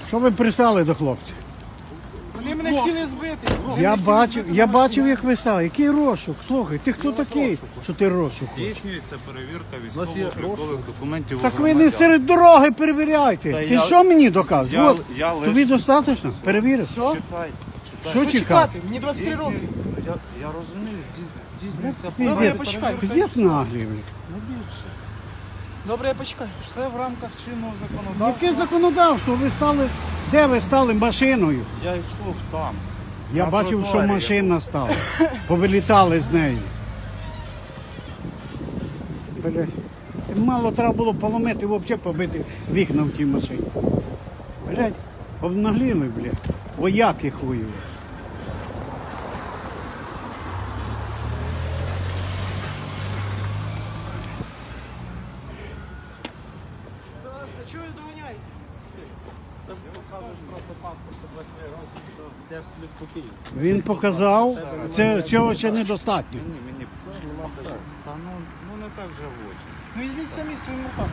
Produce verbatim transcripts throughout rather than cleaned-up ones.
Що ви пристали до хлопців? Вони мене хотіли збити. Вони Я мене хотіли бачив, збити я на бачив, машині. як ви стали. Який розшук? Слухай, ти хто такий, що ти розшук? Здійснюється перевірка нас є військово-облікових документів. Так у ви не громадян. серед дороги перевіряйте. Та Ти я- що мені доказуєш? я- От, я лише- тобі достатньо? Перевірив? Що? Чекай, чекай. Що Що чекати? чекати? Мені двадцять три роки. Я, я розумію, здійс- здійснюється Пиздець. Добре, я перевірка. почекаю. Пиздець наглий, блін. Не більше. Добре, я почекаю. Все в рамках чинного законодавства. Яке законодавство? Ви стали, де ви стали машиною? Я йшов там. Я На бачив, що тротуарі. машина стала. Повилітали з неї. Бля, мало треба було поломити, взагалі побити вікна в тій машині. Блядь, обнагліли, блядь. Вояки хуєві. А чого ви доганяєте? Він показав, це цього ще недостатньо. Мені, мені. Та ну, ну не так же в очі. Ну візьміть самі своїм руками.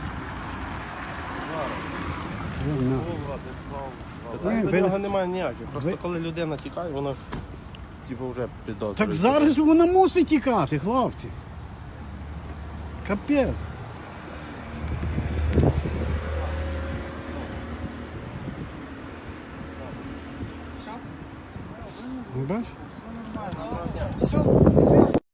Ну, Владислав. Ні, До ви- нього немає ніяких. Просто ви- коли людина тікає, вона типу, вже підозрює. Так зараз вона мусить тікати, хлопці. Капець.